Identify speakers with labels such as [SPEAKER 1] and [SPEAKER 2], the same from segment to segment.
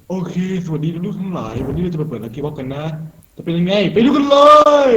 [SPEAKER 1] โอเคสวัสดีทุกทั้งหลายวันนี้เราจะไปเปิดลัคกี้บ็อกกันนะจะเป็นยังไงไปดูกันเลย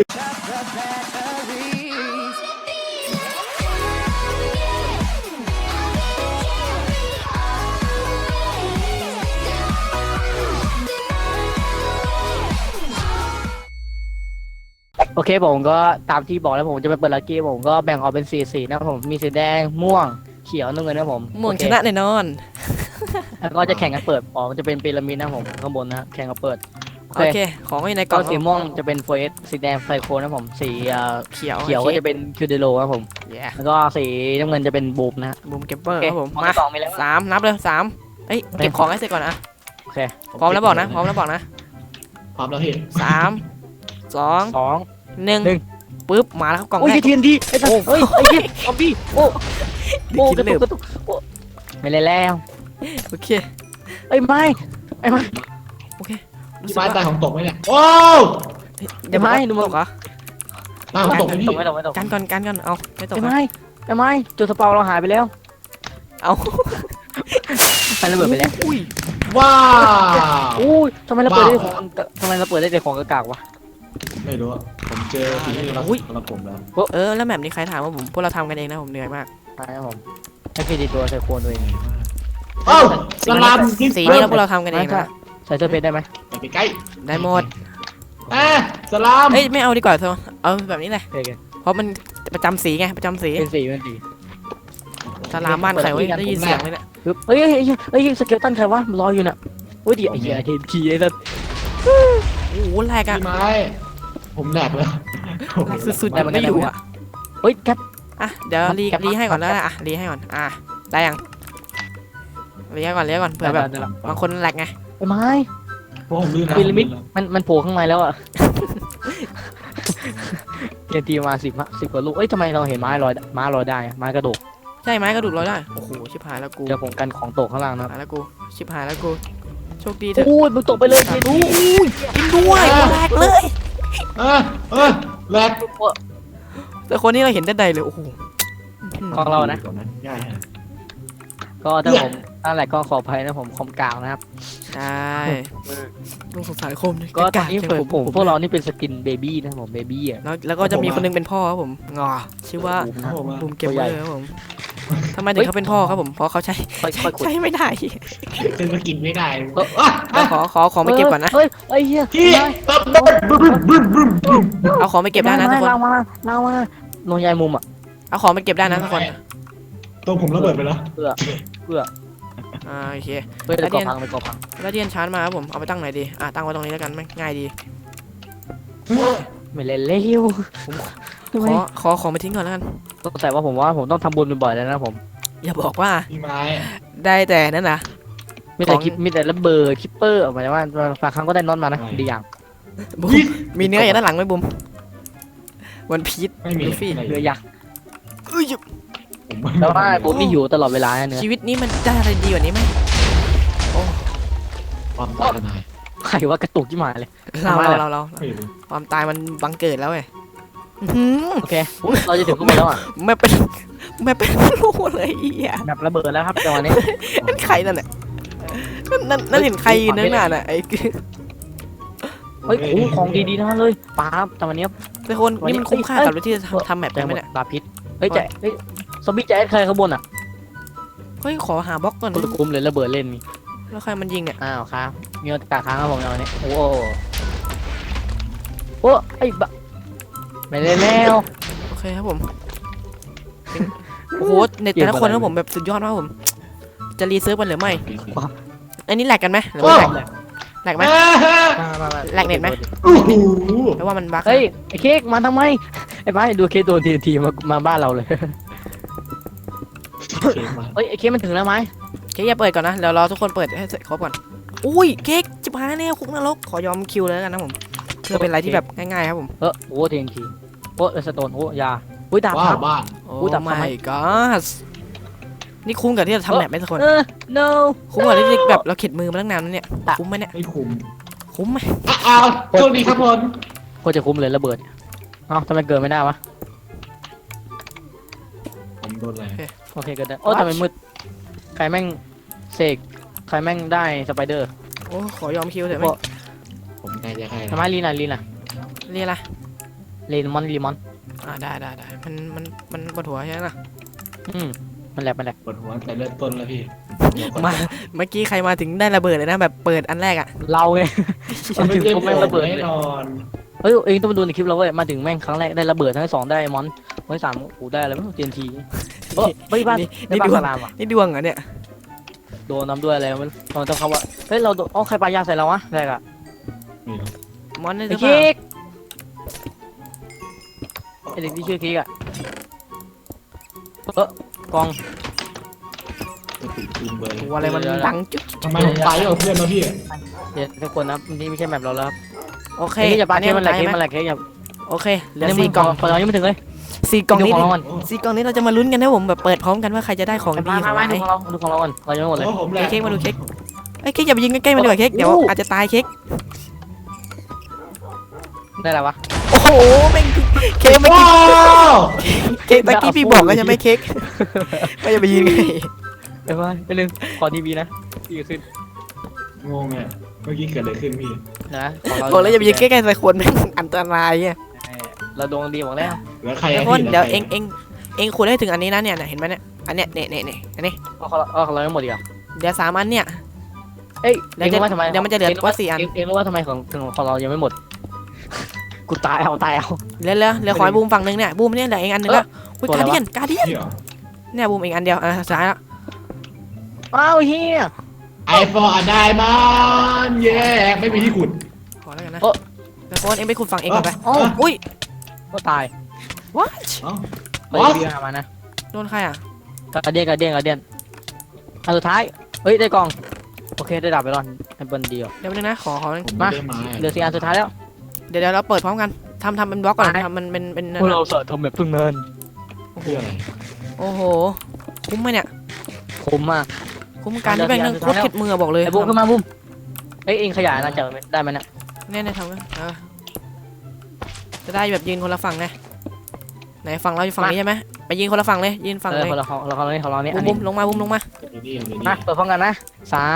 [SPEAKER 2] โอเคผมก็ตามที่บอกแล้วผมจะไปเปิดลัคกี้ผมก็แบ่งออกเป็นสีนะครับผมมีสีแดงม่วงเขียวน้ำเงินนะครับผม
[SPEAKER 3] ม่วง
[SPEAKER 2] โอเค
[SPEAKER 3] ชนะแน่นอน
[SPEAKER 2] แล้วก็จะแข่งกันเปิดมันจะเป็นพีระมิดนะครับผมข้างบนนะแข่งกันเปิด
[SPEAKER 3] โอเค ของอยู่ในก
[SPEAKER 2] ก็
[SPEAKER 3] ล่อง
[SPEAKER 2] สีม่วงจะเป็นโฟเอสสีแดงไซโคนะครับผมสี
[SPEAKER 3] เขียว
[SPEAKER 2] เขียวก็จะเป็นคิวเดโลครับผม
[SPEAKER 3] แย่
[SPEAKER 2] แล้วก็สีน้ำเงินจะเป็นบูมนะ
[SPEAKER 3] บูมเก็บเปอ
[SPEAKER 2] โอ
[SPEAKER 3] ร์
[SPEAKER 2] เค
[SPEAKER 3] ครับผม
[SPEAKER 2] ของ
[SPEAKER 3] มา
[SPEAKER 2] สองมีแล้ว
[SPEAKER 3] 3นับเลยเอ้ยเก็บของให้เสร็จก่อนนะ
[SPEAKER 2] โอเค
[SPEAKER 3] พร้อมแล้วบอกนะพร้อมแล้วบอกนะ
[SPEAKER 1] พร้อมแล้วเห็น
[SPEAKER 3] 3 2
[SPEAKER 2] สอง
[SPEAKER 3] 1ปึ๊บมาแล้วครับกล่อง
[SPEAKER 2] โอ้ย
[SPEAKER 3] แรก
[SPEAKER 2] ทีนทีไอ้สัสเฮ้ยไอ้ยี่ซอมบี้โอ้โอ้
[SPEAKER 3] เดี๋ยวคิด
[SPEAKER 2] กระตุกกระตุกโอ้ไม่เลยแล้ว
[SPEAKER 3] โอเค
[SPEAKER 2] ไอ้ยไม่ไอ้ไม่
[SPEAKER 3] โอเครู้
[SPEAKER 1] ที่
[SPEAKER 3] สึก
[SPEAKER 1] ไม้
[SPEAKER 3] ว่า
[SPEAKER 1] ตายของตกไหมเนี่ยว้าว
[SPEAKER 3] เดี๋ยว
[SPEAKER 2] ไม่
[SPEAKER 3] ไม่
[SPEAKER 2] ดู
[SPEAKER 3] ดู
[SPEAKER 2] มัน
[SPEAKER 3] ตกเหรอ
[SPEAKER 1] ตายของตกไหมพี่
[SPEAKER 2] ไม่ตกไม่ตก
[SPEAKER 3] กันก่อนเอาไม่ตก
[SPEAKER 2] ไอ้
[SPEAKER 3] นะ
[SPEAKER 2] ไม่ไอ้ไม่จุดสเปาเราหายไปแล้ว
[SPEAKER 3] เอา
[SPEAKER 2] มันระเบิดไปแล้ว
[SPEAKER 3] อุ้ย
[SPEAKER 1] ว้าว
[SPEAKER 2] อู้ยทำไมเราเปิดได้แต่ของทำไมเราเปิดได้แต่ของกากๆวะ
[SPEAKER 1] ไม่รู้อะผมเจอสิ่งที่รักสำหรับผมแล้ว
[SPEAKER 3] แล้วแมปนี้ใครถามว่าพวกเราทำกันเองนะผมเหนื่อยมาก
[SPEAKER 2] ใช่ครับผมให้เครดิตตัวใส่โคนตัวเอง
[SPEAKER 1] เอ้าสลาม
[SPEAKER 3] สีนี้เราพวกเราทำกันเองนะ
[SPEAKER 2] ใส่เสื้อเพชรได้ไหม
[SPEAKER 1] อย่าไปใกล้
[SPEAKER 3] ได้หมด
[SPEAKER 1] สลาม
[SPEAKER 3] เอ้ยไม่เอาดีกว่าเธอเอาแบบนี้เลย
[SPEAKER 2] โอเค
[SPEAKER 3] เพราะมันประจำสีไงประจำสี
[SPEAKER 2] เป็นสีเป็นสี
[SPEAKER 3] สลามบ้านใครวะได้ยินเสียงเลยเนี่ย
[SPEAKER 2] ปึ๊บเฮ้ยเฮ้ยสเกลตันใครวะรออยู่น่ะโอ้ยเดี๋ยวไอ้เหี้ยเทนคีไอ้สัส
[SPEAKER 3] โอ้โหแรกอะ
[SPEAKER 1] พี่ไม้ผมแหลกเลย
[SPEAKER 3] แรกสุดๆแต่มันไม่อยู่อะ
[SPEAKER 2] เฮ้ยแคป
[SPEAKER 3] อ่ะเดี๋ยวรี
[SPEAKER 2] แคป
[SPEAKER 3] รีให้ก่อนแล้วนะอ่ะรีให้ก่อนได้ยังรีให้ก่อนเผื่อแบบบางคนแหลกไง
[SPEAKER 2] ไอ้ไม้
[SPEAKER 1] เพราะผมลื่นนะ
[SPEAKER 2] พีระมิดมันโผล่ข้างในแล้วอ่ะเทีมา10 กว่าลูกเอ้ยทำไมเราเห็นไม้ลอยได้ไม้กระดูก
[SPEAKER 3] ใช่ไหมกระดูกเราได้โอ้โหชิบหายแล้วกู
[SPEAKER 2] เดี๋ยวผมกันของตกข้างล่างนะ
[SPEAKER 3] หายแล้วกูชิบหายแล้วกูโชคดีเถอะ
[SPEAKER 2] โอ้ยมึงตกไปเลยเทนที
[SPEAKER 3] กินด้วยแหลกเลย
[SPEAKER 1] เออแหลก
[SPEAKER 3] แต่คนนี้เราเห็นได้ใดเลยโอ้โห
[SPEAKER 2] ของเรานะ
[SPEAKER 1] ง่ายฮะ
[SPEAKER 2] ก็ถ้าผมนั่นแหละก็ขออภัยนะผมคอมกลางนะครับ
[SPEAKER 3] ใช่ต้องสงสารคม
[SPEAKER 2] ก็ตอนนี้ผมพวกเรานี่เป็นสกินเบบี้นะผมเบบี้อ่ะ
[SPEAKER 3] แล้วก็จะมีคนนึงเป็นพ่อครับผมงอชื่อว่า
[SPEAKER 1] ครับผม
[SPEAKER 3] บูมเก็บเบอร์ครับผมทำไมถึงเขาเป็นพ่อครับผมเพราะเขาใช้
[SPEAKER 2] ค่อยขุด
[SPEAKER 3] ใช้ไม่ได้
[SPEAKER 1] เป็นมากินไม่ได้
[SPEAKER 3] ขอของไปเก็บก่อนนะ
[SPEAKER 2] เฮ้ยไอ้เหี้ย
[SPEAKER 1] ที่
[SPEAKER 3] เอาของไปเก็บได้นะทุกคน
[SPEAKER 2] เรามาโนยายมุมอ่ะ
[SPEAKER 3] เอาของไปเก็บได้นะทุกคน
[SPEAKER 1] ตัวผมระเบิดไปแล้ว
[SPEAKER 2] เพื่อ
[SPEAKER 3] โอเค
[SPEAKER 2] เพื่อจะก่อพังไปก่อพัง
[SPEAKER 3] แล้วที่ยันชาร์จมาครับผมเอาไปตั้งไหนดีตั้งไว้ตรงนี้แล้วกันง่ายดี
[SPEAKER 2] ไม่เล่นเร็วทำไม
[SPEAKER 3] ขอของไปทิ้งก่อนแล้วกัน
[SPEAKER 2] แต่ว่าผมต้องทำบุญบ่อยๆแล้วนะผม
[SPEAKER 3] อย่าบอกว่า
[SPEAKER 1] พี่ไม้
[SPEAKER 3] ได้แต่นั่นนะ
[SPEAKER 2] มีแต่ระเบิดคิปเปอร์ออกมาแต่ว่าบางครั้งก็ได้น็อตมานะดีอย่าง
[SPEAKER 3] บุมมีเนื้ออย่างด้านหลังไหมบุมวันพีช
[SPEAKER 1] ไม่มี
[SPEAKER 3] ลูฟี่
[SPEAKER 2] เรือยักษ์
[SPEAKER 3] เอ้ย
[SPEAKER 2] แต่ว่าบุญนี่อยู่ตลอดเวลาเนื้อ
[SPEAKER 3] ชีวิตนี้มันได้อะไรดีกว่านี้ไหม
[SPEAKER 1] ความตายนาย
[SPEAKER 2] ใครว่ากระตุกที่หมายเลย
[SPEAKER 3] เรา
[SPEAKER 1] ไม่รู้
[SPEAKER 3] ความตายมันบังเกิดแล้วเว้ย
[SPEAKER 2] โอเคเราจะถึงข้างบนแล้วอ่ะ
[SPEAKER 3] ไม่เป็นรู้เลยอ่ะ
[SPEAKER 2] แบบระเบิดแล้วครับจังหวะนี้
[SPEAKER 3] นั่นใครนั่นน่ะนั่นเห็นใครยืนนั่นน่ะไอ้
[SPEAKER 2] เฮ้ยของดีๆทั้งนั้นเลยป้าจังหวะนี้
[SPEAKER 3] ทุกคนนี่มันคุ้มค่ากับที่จะทำแมป
[SPEAKER 2] แจ้
[SPEAKER 3] ได้
[SPEAKER 2] ง
[SPEAKER 3] ไห
[SPEAKER 2] ห
[SPEAKER 3] ม
[SPEAKER 2] มด
[SPEAKER 3] เนี่ย
[SPEAKER 2] ปลาพิษเฮ้ยซอมบี้แจ๊ใครข้างบนอ่ะ
[SPEAKER 3] เฮ้ยขอหาบล็อกก่อน
[SPEAKER 2] คนละกลุ่มเลยระเบิดเล่นมี
[SPEAKER 3] แล้วใครมันยิงเนี่ย
[SPEAKER 2] อ้าวครับมีโอกาสค้างครับผมจังหวะนี้โอ้ไอ้บะไม่เล่นแล้ว
[SPEAKER 3] โอเคครับผมโอ้โหเน็ตแต่ละคนครับผมแบบสุดยอดมากผมจะรีเซิร์ฟมันหรือไม่อันนี้แหลกกันไหมหรือไม่แหลกไหมแหลกเน็ตไหม
[SPEAKER 1] โอ้โห
[SPEAKER 3] แปลว่ามันบั๊ก
[SPEAKER 2] เฮ้ยไอ้เค้กมาทำไมไอ้บ้าดูเค้กโดนทีมาบ้านเราเลยเฮ้ยไอ้เค้กมันถึงแล้วไหม
[SPEAKER 3] เค้กอย่าเปิดก่อนนะเดี๋ยวรอทุกคนเปิดให้เสร็จครบก่อนอุ้ยเค้กจิบหายแล้วคุกนรกขอยอมคิวเลยแล้วกันนะผมเพื่อเป็นอะไรที่แบบง่ายๆครับผม
[SPEAKER 2] โอ้ทีโอ้สโตนโอ้ยาอุ้ยดาบ
[SPEAKER 1] ว้า
[SPEAKER 2] คว รับ
[SPEAKER 1] บ้าน
[SPEAKER 3] โอ้
[SPEAKER 2] อุ๊ยแต่ทำไม
[SPEAKER 3] my god นี่คุ้มกับที่จะทำแมปไหมทุกคน
[SPEAKER 2] no
[SPEAKER 3] คุ้มกับที่แบบเราเข็ดมือมาตั้งนานแล้วเนี่ยคุ้มไหมเนี่ย
[SPEAKER 1] ไม่คุ้ม
[SPEAKER 3] คุ้มไหม
[SPEAKER 1] อ้าวโชคดีครับผม
[SPEAKER 2] โคตรจะคุ้มเลยระเบิดเอ้าทำไมเกิดไม่ได้วะ
[SPEAKER 1] ผมโดนอะไร
[SPEAKER 2] โอเคเกิดได้โอ้ทำไมมืดใครแม่งเสกใครแม่งได้สไปเดอร์
[SPEAKER 3] โอ้ขอยอมคิวเถอะไหม
[SPEAKER 1] ผมใจจะใคร
[SPEAKER 2] ทำไมลีนอ่ะลีนอ่ะ
[SPEAKER 3] เรียกอะไร
[SPEAKER 2] ลีนมอนลีมอน
[SPEAKER 3] ได้มันปวดหัวใช่ไหมล่ะ
[SPEAKER 2] มันแหลกมันแหลก
[SPEAKER 1] ปวดหัวแต่เริ่มต้นแล้วพี่
[SPEAKER 3] มาเมื่อกี้ใครมาถึงได้ระเบิดเลยนะแบบเปิดอันแรกอ่ะ
[SPEAKER 2] เราไง
[SPEAKER 1] มันไม่
[SPEAKER 2] ถึง
[SPEAKER 1] ได้
[SPEAKER 2] ก็แม่งระเบิด
[SPEAKER 1] แน่
[SPEAKER 2] เลย
[SPEAKER 1] นอน
[SPEAKER 2] เฮ้ยเองต้องมาดูในคลิปเราเว้ยมาถึงแม่งครั้งแรกได้ระเบิดทั้งสองได้มอนทั้งสามโอ้ได้อะไรไม่รู้ TNT เฮ้ยบ้าน
[SPEAKER 3] นี่
[SPEAKER 2] ได้บ้านสลามอ่ะ
[SPEAKER 3] นี่ดวงเหรอเนี่ย
[SPEAKER 2] โดนน้ำด้วยอะไรมันต้องเขาว่าเฮ้ยเราโดนใครปายาใส่เราวะแรกอ่ะ
[SPEAKER 1] นี่ครับ
[SPEAKER 3] มอนได้ห
[SPEAKER 2] ไอ้
[SPEAKER 3] รือเปล่า
[SPEAKER 2] เค้กไอ้เด็กที่ชื่อเค้กอ่ะกอง
[SPEAKER 1] จะติดปืนเบอร์
[SPEAKER 3] โอ้อะไรมันดังจุ๊บ
[SPEAKER 1] ทำไมผมไปกับเพื่อนมาพี่
[SPEAKER 2] เดี๋ยวทุกคนนะนี่ไม่ใช่แมปเราแล้วครับ
[SPEAKER 3] โอเค
[SPEAKER 2] เค้กอย่าปาเค้กมันแหลก
[SPEAKER 3] ไ
[SPEAKER 2] เค้กมันแหลกเค้กอย่า
[SPEAKER 3] โอเคเหลือ4 กล่อง
[SPEAKER 2] คนเรายังไม่ถึงเลย
[SPEAKER 3] 4 กล่องนี้
[SPEAKER 2] ดูของเราก่อน
[SPEAKER 3] 4 กล่องนี้เราจะมาลุ้นกันนะผมแบบเปิดพร้อมกันว่าใครจะได้ของดีของ
[SPEAKER 2] มา
[SPEAKER 3] ไหน
[SPEAKER 2] ดูของเราดูของเราก่อนเรายังไม่หมดเลย
[SPEAKER 1] โอ้ผมแหละ
[SPEAKER 3] เค้กมาดูเค้กไอ้ยเค้กอย่าไปยิงใกล้ๆมันดีกว่าเค้กเดี๋ยวอาจจะตายเค้ก
[SPEAKER 2] ได้แล้ววะ
[SPEAKER 3] โอ้โหแม่งเค้กเมื่อ
[SPEAKER 1] ว้า
[SPEAKER 3] กี้
[SPEAKER 1] ว
[SPEAKER 3] เค้กเมื่อกี้พี่บอกก็จะไม่เค้กไม่จะไปยิงไง
[SPEAKER 2] ไปลืมขอทีวีนะทีวีขึ้น
[SPEAKER 1] งงอ่ะเมื่อกี้เกิดอะไรขึ้นพี่
[SPEAKER 2] นะของเรา
[SPEAKER 3] บอกแล้วอย่าไปยิงใกล้ๆใส่คนแม่งอันตรายเนี่ย
[SPEAKER 2] เราดวงดีบอกแล้ว
[SPEAKER 1] แล้วใคร
[SPEAKER 3] ทุ
[SPEAKER 1] อะ
[SPEAKER 3] กคน
[SPEAKER 1] พี่
[SPEAKER 3] เดี๋ยว
[SPEAKER 1] แล้
[SPEAKER 3] เองขุดให้ถึงอันนี้นะเนี่ยเห็นไหมเนี่ยอันเนี้ยเนี่ยอันนี้
[SPEAKER 2] ของเราไม่หมดอีกอ่ะ
[SPEAKER 3] เดี๋ยว3 อันเนี่ย
[SPEAKER 2] เอ้ย
[SPEAKER 3] เดี๋ยวมันจะเหลือว่า4 อัน
[SPEAKER 2] เองรู้ว่าทำไมของเรายังไม่หมดกูตายเอา
[SPEAKER 3] เหลือขอให้บูมฝั่งนึงเนี่ยบูมเนี่ยเหลืออีกอันนึงแล้วอุ้ย
[SPEAKER 2] ตัว
[SPEAKER 3] กา
[SPEAKER 2] อะไร
[SPEAKER 3] เดี
[SPEAKER 2] วะ
[SPEAKER 3] ยน
[SPEAKER 1] พี่เหรอ
[SPEAKER 3] เนี่ยบูมอีกอันเดียวสุดท้ายแล้ว
[SPEAKER 2] อ้าวเฮีย
[SPEAKER 1] ไอโฟนอะได้มันแย่ไม่มีที่ขุด
[SPEAKER 3] ขอแล้วกันนะแต่โฟนเองไปขุดฝั่งเองก่อนไป
[SPEAKER 2] อ๋อ
[SPEAKER 3] อุ้ย
[SPEAKER 2] ก็ตาย
[SPEAKER 3] what
[SPEAKER 1] เอ้า
[SPEAKER 2] ไปเรียมานะ
[SPEAKER 3] โดนใครอ่ะ
[SPEAKER 2] กระเดียนอันสุดท้ายเฮ้ยได้กล่องโอเคได้ดาบไปรอนให้เบิ้ลเดียว
[SPEAKER 3] เดี๋ยวนึงนะขอ
[SPEAKER 1] ผม
[SPEAKER 2] มา
[SPEAKER 1] ไม่ได้มา
[SPEAKER 2] เหลือ4 อันสุดท้ายแล้ว
[SPEAKER 3] เดี๋ยวเราเปิดพร้อมกันทำเป็นบล็อกก่อนทำมันเป็น
[SPEAKER 2] พวกเราเสิร์ฟทำแบบพึ่งเนิน
[SPEAKER 1] เพื่ออะไร
[SPEAKER 3] โอ้โหคุ้มไหมเนี่ย
[SPEAKER 2] คุ้มมาก
[SPEAKER 3] คุ้มการที่แม่งโคตรเข็ดมือบอกเลย
[SPEAKER 2] ไอ้บุ้มขึ้นมาบุ้มเอ้ยเองขยายนะจะได้ไหมเนี่ย
[SPEAKER 3] เนี่ยทำกันจะได้แบบยืนคนละฝั่งไงไหนฝั่งเราอยู่ฝั่งนี้ใช่ไหมไปยืนคนละฝั่งเลยยืนฝั่งเลย
[SPEAKER 2] คนละของเราเนี่ยของเราเนี่ยอัน
[SPEAKER 3] บุ้
[SPEAKER 2] นี้
[SPEAKER 3] มลงมา
[SPEAKER 1] เดี๋ยวนี่
[SPEAKER 2] มาเปิดพร้อมกันนะ3
[SPEAKER 1] สาม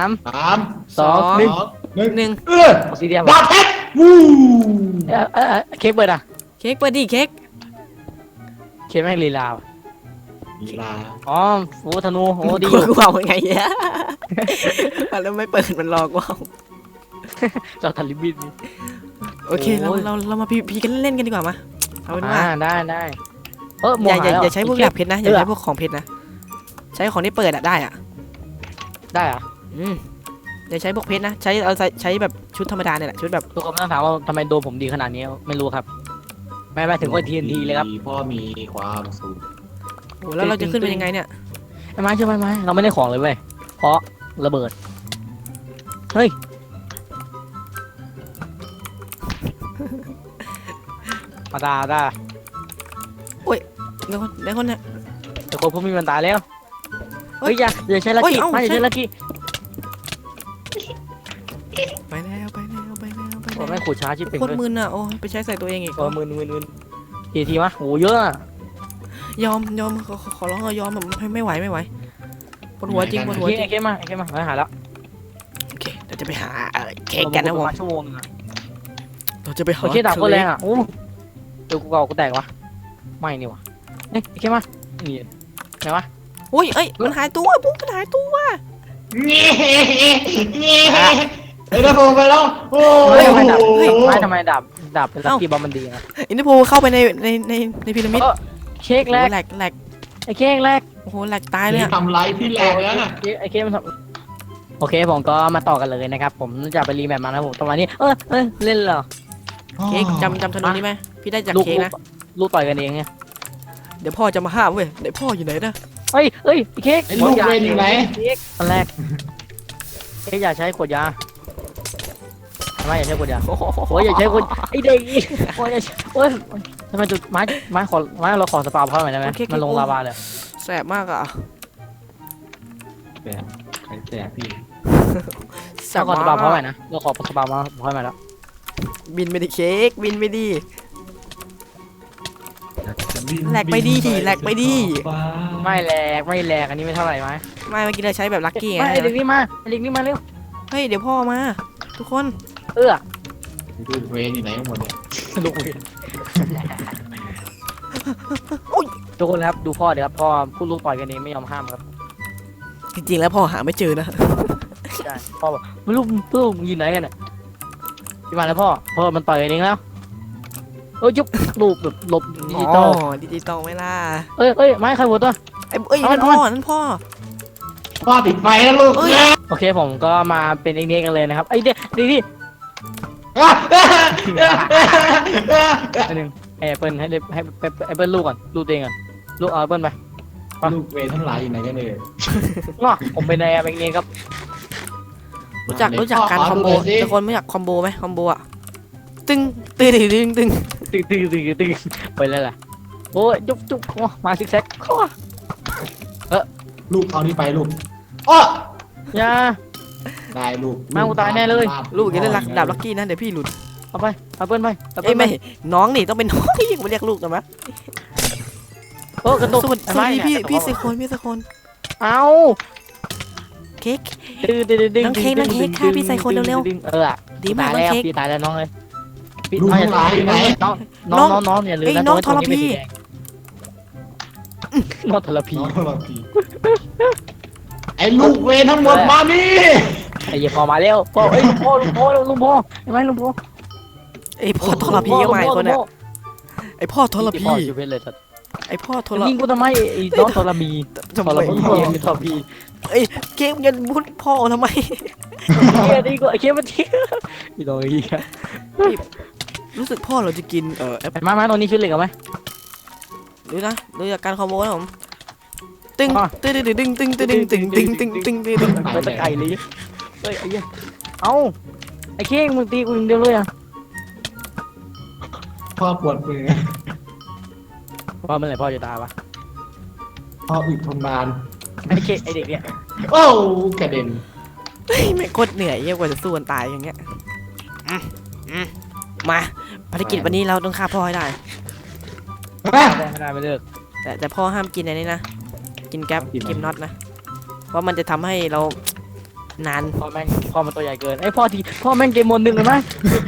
[SPEAKER 2] 2
[SPEAKER 3] หนึ่ง
[SPEAKER 2] 1สีเดียว
[SPEAKER 1] ดาบเพชรวู้
[SPEAKER 2] เค้กเปิดอ่ะ
[SPEAKER 3] เค้กเปิดดิเค้ก
[SPEAKER 2] เค้กแม่งลีลา
[SPEAKER 1] ลีลา
[SPEAKER 2] อ๋อโอ้ธนูโอ้ดี
[SPEAKER 3] กูเอาไงเนี่ยแล้วไม่เปิดมันรอกว่า
[SPEAKER 2] จอทันลิบิน
[SPEAKER 3] โอเคเรามาพีกันเล่นกันดีกว่ามาเอาเป็นว่า
[SPEAKER 2] ได้
[SPEAKER 3] อย่าใช้พวกแบบเพชรนะอย่าใช้พวกของเพชรนะใช้ของที่เปิดได้อ่ะ
[SPEAKER 2] ได้อะ
[SPEAKER 3] อย่าใช้พวกเพชรนะใช้แบบชุดธรรมดาเนี่ยแหละชุดแบบ
[SPEAKER 2] ทุกคนไม่ต้องถามว่าทำไมโดนผมดีขนาดนี้ไม่รู้ครับไม่ถึงว่า TNT เลยครับ
[SPEAKER 1] พ่อมีความสุข
[SPEAKER 3] โอ้แล้วเราจะขึ้นเป็นยังไงเนี่ย
[SPEAKER 2] ไอ้ไม้ใช่ไหมไม้เราไม่ได้ของเลยเว้ยเพราะระเบิดเฮ้ยมาด่า
[SPEAKER 3] เดี๋ยวคนเนี่ย
[SPEAKER 2] แต่คนพวกมีมันตายแล้วเฮ้ยอย่าใช้ลักกี้ไม่อย่าใช้ลักกี้
[SPEAKER 3] ไปแล้ว
[SPEAKER 2] โอ้แม่ขูดช้าชิบเป็น
[SPEAKER 3] โคตรมึนอ่ะโอ้ไปใช้ใส่ตัวเองอีก
[SPEAKER 2] มืนทีมะโหเยอะ
[SPEAKER 3] ยอมขอร้องยอมแบบไม่ไหวปวดหัวจริงปวดหัวจริง
[SPEAKER 2] ไอ้เค้มาหายแล้ว
[SPEAKER 3] โอเคเราจะไปหาเค้กกันนะผม
[SPEAKER 2] ชั่วโมงนึง
[SPEAKER 3] เราจะไปหา
[SPEAKER 2] โอเคดาบโคตรแรงอ่ะโอ้เดี๋ยวกูแตกวะไม่นี่วะเฮ้ยไอ้เค้มานี่ไหนวะ
[SPEAKER 3] อุ้ยเอ้ยมันหายตัวปุ๊บมันหายตัว
[SPEAKER 1] เงี้ยไอ้ตะโกนไปแล้วโอ้
[SPEAKER 2] ทำไมดาบเป็นลักกี้บอมมันดีนะ
[SPEAKER 3] อินเตอร์โพเข้าไปในพีระมิด
[SPEAKER 2] เค้กแรก
[SPEAKER 3] แหลก
[SPEAKER 2] ไอ้เค้กแรก
[SPEAKER 3] โอ้โหแหลกตายเลย
[SPEAKER 1] นี่
[SPEAKER 3] อะ
[SPEAKER 1] ทำไรพี่แหลกแล้วน่ะ
[SPEAKER 2] ไอ้เค้กมันโอเคผมก็มาต่อกันเลยนะครับผมจะไปรีแมปมาแล้วผมตรงนี้เล่นเหรอ
[SPEAKER 3] เค้กจำธนูนี้ไหมพี่ได้จากเค้กนะ
[SPEAKER 2] ลูกต่อยกันเองไง
[SPEAKER 3] เดี๋ยวพ่อจะมาห้ามเว้ยเดี๋ยวพ่ออยู่ไหนนะ
[SPEAKER 2] เฮ้ยเค้ก
[SPEAKER 1] ไอ้ลูกเวนอยู่ไหน
[SPEAKER 2] เค้กอันแรกเค้กอย่าใช้ขวดยาทำไมอย่าใช้ขวดยาโอ้ยอย่าใช้ขวดไอ้เด็กโอ้ยโอ้ยทำไมจุดไม้เราขอสปาเพราะอะไรได้ไหมมันลงลาวาเลย
[SPEAKER 3] แสบมากอะ
[SPEAKER 1] แบบใครแสบพี่
[SPEAKER 3] แส
[SPEAKER 2] เรา
[SPEAKER 3] บ
[SPEAKER 2] ขอสปาเพราะอะไร
[SPEAKER 3] มาก
[SPEAKER 2] นะเราขอสปามาเพราะอะไรแล้ว
[SPEAKER 3] บินไปดิเค้กบินไปดิ แหลกไปดิแหลกไปดิ
[SPEAKER 2] ไม่แหลกอันนี้ไม่เท่าไหร่ไหม
[SPEAKER 3] ไม่เมื่อกี้เราใช้แบบลัคกี้ไง
[SPEAKER 2] ไอ้เด็กนี่มาเร็ว
[SPEAKER 3] เฮ้ยเดี๋ยวพ่อมา ทุกคน
[SPEAKER 2] เอื้อ
[SPEAKER 1] ดูเวรอยู่ไหนกันหมดเนี่ย
[SPEAKER 2] ลูกทุกคนครับดูพ่อเดี๋ยวครับพ่อพูดลูกต่อยกันเองไม่ยอมห้ามครับ
[SPEAKER 3] จริงๆแล้วพ่อหาไม่เจอนะ
[SPEAKER 2] ใช่พ่อบอกลูกยืนไหนกันน่ะพี่มาแล้วพ่อมันต่อยกันเองแล้วยุบลูกแบบหลบดิจิตอล
[SPEAKER 3] ดิจิตอลไม่ล่ะ
[SPEAKER 2] เอ้ยไม้ใครหัวตัว
[SPEAKER 3] นั่นพ่อนั่นพ่อ
[SPEAKER 1] พ่อปิดไฟแล้วลูก
[SPEAKER 2] โอเคผมก็มาเป็นเอ็กเนกันเลยนะครับไอ้เด็กนี่อันหนึ่งไอ้เปิ้ลให้ไอ้เปิ้ลลูกก่อนลูกตัวเองก่อนลูกเอาเปิ้ลไป
[SPEAKER 1] ลูกเวรทั้งหลายอยู่ไหนกันเนี่ย
[SPEAKER 2] ง้อผมเป็นไอ้เอ็กเนครับ
[SPEAKER 3] รู้จักการคอมโบทุกคนไม่อยากคอมโบไหมคอมโบอะตึงตึงตึงตึง
[SPEAKER 2] ตึงไปเลยล่ะโอ้ยจุ๊บมาซิกแซก
[SPEAKER 1] ลูกเอานี่ไปลูกอ้อ
[SPEAKER 2] อย่า
[SPEAKER 1] ได้ลูก
[SPEAKER 2] แม่งกูตายแน่เลย
[SPEAKER 3] ลูกอย่าได้รักดาบลักกี้นะเดี๋ยวพี่หลุด
[SPEAKER 2] เอาไปเอาเปิ้ลไป
[SPEAKER 3] เอ้ยไม่น้องนี่ต้องเป็นน้องที่ไม่เรียกลูกนะมะ
[SPEAKER 2] โอ้กระตุก
[SPEAKER 3] สวัสดีพี่สกล
[SPEAKER 2] เอา
[SPEAKER 3] เค้ก
[SPEAKER 2] ดึง
[SPEAKER 3] น้องเค้กค่ะพี่ใส่คนเร็ว ดีมากน้อง
[SPEAKER 2] แล้ว
[SPEAKER 3] เค้ก
[SPEAKER 2] พี่ตายแล้วน้องเลย
[SPEAKER 1] ลูกทั้งหลายอยู่ไหน
[SPEAKER 2] น้องอย่าลืมนะ
[SPEAKER 3] น้องทรพี
[SPEAKER 2] น้องทรพี
[SPEAKER 1] น้องเราพี่ไอ้ลูกเวรทั้งหมดมานี่
[SPEAKER 2] ไอ้เหี้ยพอมาแล้วพ่อเอ้ยลุงพ่อใช่ไหมลุงพ่อ
[SPEAKER 3] ไอพ่อทรพีก็มาอีกคนเนี่ยไอพ่อทรพี
[SPEAKER 2] ชีวิตเลยสัตว์
[SPEAKER 3] ไอพ่อทร
[SPEAKER 2] ยิงกูทำไมไอ้น้องทรมี
[SPEAKER 3] ทำ
[SPEAKER 2] ท
[SPEAKER 3] ไม
[SPEAKER 2] รพีมีทรพี
[SPEAKER 3] เค้กยันพูดพ่อทำไม
[SPEAKER 2] เฮียนี่กูไอ้เคี้ยมันเที่ยพี่น้องเฮีย
[SPEAKER 3] รู้สึกพ่อเราจะกินแอป
[SPEAKER 2] มาตรงนี้ชุดเหล็กเอาไหม
[SPEAKER 3] ดูนะดูจากการคอมโบนะผมตึงตึงตึงตึงตึงตึงตึงตึงตึงตึงตึง
[SPEAKER 2] ไปตะไก่เลยเฮ้ยไอ้เหี้ยเอ้าไอ้เค้กมึงตีกูอย่างเดียวเลยอ่ะ
[SPEAKER 1] พ่อปวดมือ
[SPEAKER 2] พ่อเมื่อไหร่พ่อจะตายวะ
[SPEAKER 1] พ่ออึดทนนาน
[SPEAKER 2] ไอ้เค้กไอ้เด็กเนี่ย
[SPEAKER 1] โอ้กระเด็น
[SPEAKER 3] เฮ้ยไม่โคตรเหนื่อยเยี่ยกว่าจะสู้กันตายอย่างเงี้ยมาภารกิจวันนี้เราต้องฆ่าพ่อให้ได้
[SPEAKER 2] ไม่ได้ไม่เลิก
[SPEAKER 3] แต่พ่อห้ามกินอะไรนี่นะกินแก๊ปกินน็อตนะว่ามันจะทำให้เรานาน
[SPEAKER 2] พ่อมันตัวใหญ่เกินไอ้พ่อแม่งเกมมนหนึ่งเลยไหม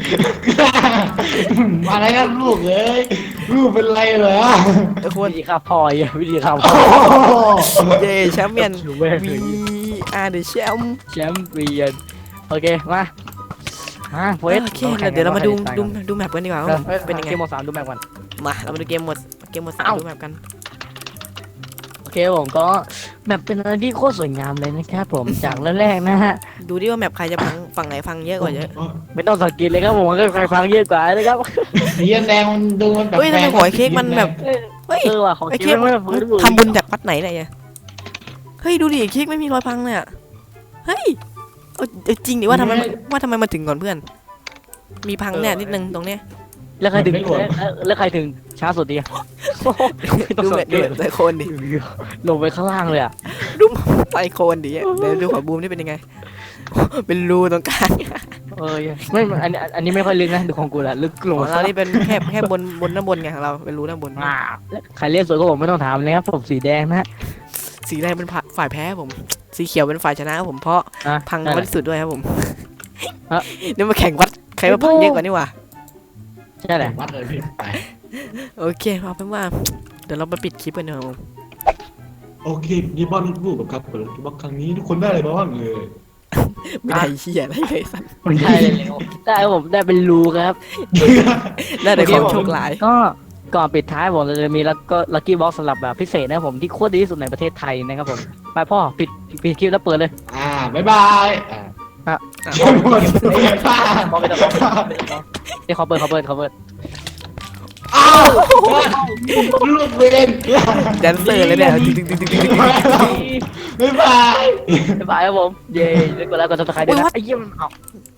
[SPEAKER 1] อะไรกันลูกเอ้ยลูกเป็นไรเหรอ
[SPEAKER 2] วิธีฆ่าพ่ออ่ะวิธีฆ่าพ่อ
[SPEAKER 3] เย่แชมเปี้ยน
[SPEAKER 2] แม่ง
[SPEAKER 3] วีอาร์เดอะแชมป์
[SPEAKER 2] แชมป์เปี้ยนโอเคมาเวท
[SPEAKER 3] โอเคเดี๋ยวเรามาดูแมปกันดีกว่าว่าเป็นยังไง
[SPEAKER 2] เกมหมด3ดูแมปก่อน
[SPEAKER 3] มาเรามาดูเกมหมดสามดูแมปกัน
[SPEAKER 2] โอเคผมก็แมปเป็นอะไรที่โคตรสวยงามเลยนะครับผมจากแรกๆนะฮะ
[SPEAKER 3] ดูดิว่าแมปใครจะพังฝั่งไหนพังเยอะกว่าเยอะ
[SPEAKER 2] ไม่ต้องสังเกตเลยครับผมก็ใครฟังเยอะกว่านะครับ
[SPEAKER 1] สีแดงมันดูมันแบบ
[SPEAKER 3] เฮ้ยทำไมหอยเค้กมันแบบเฮ้ย
[SPEAKER 2] ว่ะของ
[SPEAKER 3] ไอ้
[SPEAKER 2] เค้
[SPEAKER 3] เค้
[SPEAKER 2] ก
[SPEAKER 3] ก
[SPEAKER 2] ไม่
[SPEAKER 3] ทำบุญจากวัดไหนเนี่ยเฮ้ยดูดิเค้กไม่มีรอยพังเลยอะเฮ้ยจริงดิว่าทำไมมันถึงก่อนเพื่อน มีพังเนี่ยนิดนึงตรงเนี้ย
[SPEAKER 2] แล้วใครถึงแล้วใครถึงช้าสุดดีต้อง
[SPEAKER 3] ดู
[SPEAKER 2] สั
[SPEAKER 3] แบบ
[SPEAKER 2] งเก
[SPEAKER 3] ดู
[SPEAKER 2] ต
[SPEAKER 3] แบบไซโคนดิ
[SPEAKER 2] ลงไปข้างล่างเลยอ่ะ
[SPEAKER 3] ไซโคนดิเดี๋ยวดูขอบูมนี่เป็นยังไง เป็นรูตรงกลาง
[SPEAKER 2] ไม่อันนี้ไม่ค่อยลึกนะดูของกูแหละลึกลง
[SPEAKER 3] ของเรานี่เป็นแค่บนด้านบนไงของเราเป็นรูด้านบน
[SPEAKER 2] ใครเล่นสวยก็ผมไม่ต้องถามเลยครับผมสีแดงนะ
[SPEAKER 3] สีแดงเป็นฝ่ายแพ้ผม สีเขียวเป็นฝ่ายชนะครับผมเพราะพังน้อยที่สุดด้วยครับผมเดี๋ยวมาแข่งวัดใครว่าพังเยอะกว่านี่วะ
[SPEAKER 2] ใช่แหละ
[SPEAKER 1] วัดเลยพี่ไป
[SPEAKER 3] โอเคเอาเป็นว่าเดี๋ยวเราไปปิดคลิปกันเถอะผม
[SPEAKER 1] โอเคนี่บอลลูกครับเปิดบอลครั้งนี้ทุกคนได้อะไรบ้างเลย
[SPEAKER 3] ไม่ได้เหี้ยอะไรเลยสัน
[SPEAKER 2] ได้เลยได้ผมได้เป็นรูครับ
[SPEAKER 3] ได้แต่ของโชคร้าย
[SPEAKER 2] ก็ก่อนปิดท้ายผมจะมีแล้วก็ลัคกี้บ็อกซ์สำหรับแบบพิเศษนะผมที่โคตรดีที่สุดในประเทศไทยนะครับผมไปพ่อปิดคลิปแล้วเปิดเลย
[SPEAKER 1] บ๊ายบายเชื่อหมด
[SPEAKER 2] พ่อไม่ต้องเดี๋ยวเขาเปิด
[SPEAKER 1] อ้าวลูกเวน
[SPEAKER 3] แดนเซอร์เลยเนี่ย
[SPEAKER 1] บ๊ายบาย
[SPEAKER 2] บ๊ายบายครับผมเย้แล้วก็ซับสไครต์ด้วยนะไอ้เยี่ยม